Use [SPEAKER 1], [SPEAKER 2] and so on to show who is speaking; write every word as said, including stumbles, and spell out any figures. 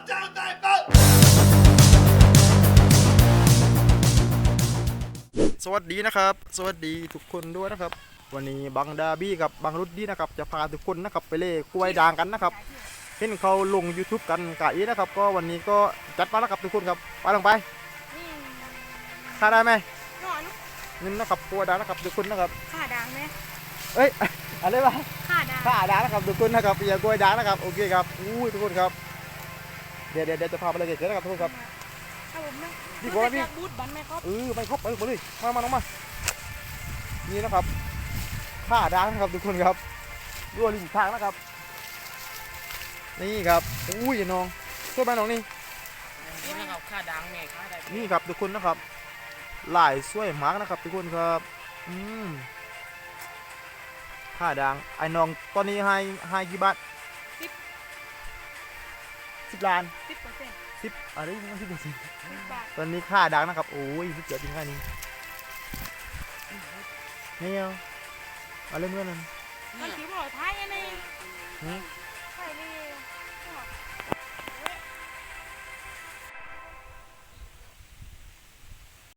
[SPEAKER 1] สวัสดีนะครับสวัสดีทุกคนด้วยนะครับวันนี้บังดาบี้กับบังรุดดี้นะครับจะพาทุกคนนะครับไปเล่กล้วยด่างกันนะครับเห็นเขาลง YouTube กันกะอีนะครับก็วันนี้ก็จัดมาแล้วครับทุกคนครับไปลงไปค่าได้ไหมนี่นะครับกล้วยด่างนะครับทุกคนนะครับ
[SPEAKER 2] ข่าดังไหม
[SPEAKER 1] เอ้ยอะไรวะ
[SPEAKER 2] ข่าดัง
[SPEAKER 1] ค่าด่างนะครับทุกคนนะครับอย่ากล้วยด่างนะครับโอเคครับอู้ทุกคนครับเดี๋ยวเดี๋ยวเดี๋ยวจะพาไปเลยเกิดนะครับทุกคนครับดีกว่าพี่บูทบันไหมครับเออไปครบไปหมดเลยมามาน้องมานี่นะครับค่าด่างนะครับทุกคนครับรั่วริมทางนะครับนี่ครับอุ้ยน้องช่วยไปน้องนี่
[SPEAKER 3] นี่นะครับค่าดังไงค่าได้
[SPEAKER 1] นี่ครับทุกคนนะครับหลายสวยมากนะครับทุกคนครับอืมค่าด่างไอ้น้องตอนนี้ให้ให้กี่บาทสิบสิบล้าน
[SPEAKER 2] สิบเปอร์เซ็นต์
[SPEAKER 1] สิบอะไรนี่สิบเปอร์เซ็นต์
[SPEAKER 2] สิบบาท
[SPEAKER 1] ตอนนี้ค่าด่างนะครับโอ้ยสุดยอดจริงแค่นี้นี่เอาอะไรเมื่อนั้น
[SPEAKER 2] มันถือว่าท้ายยังไง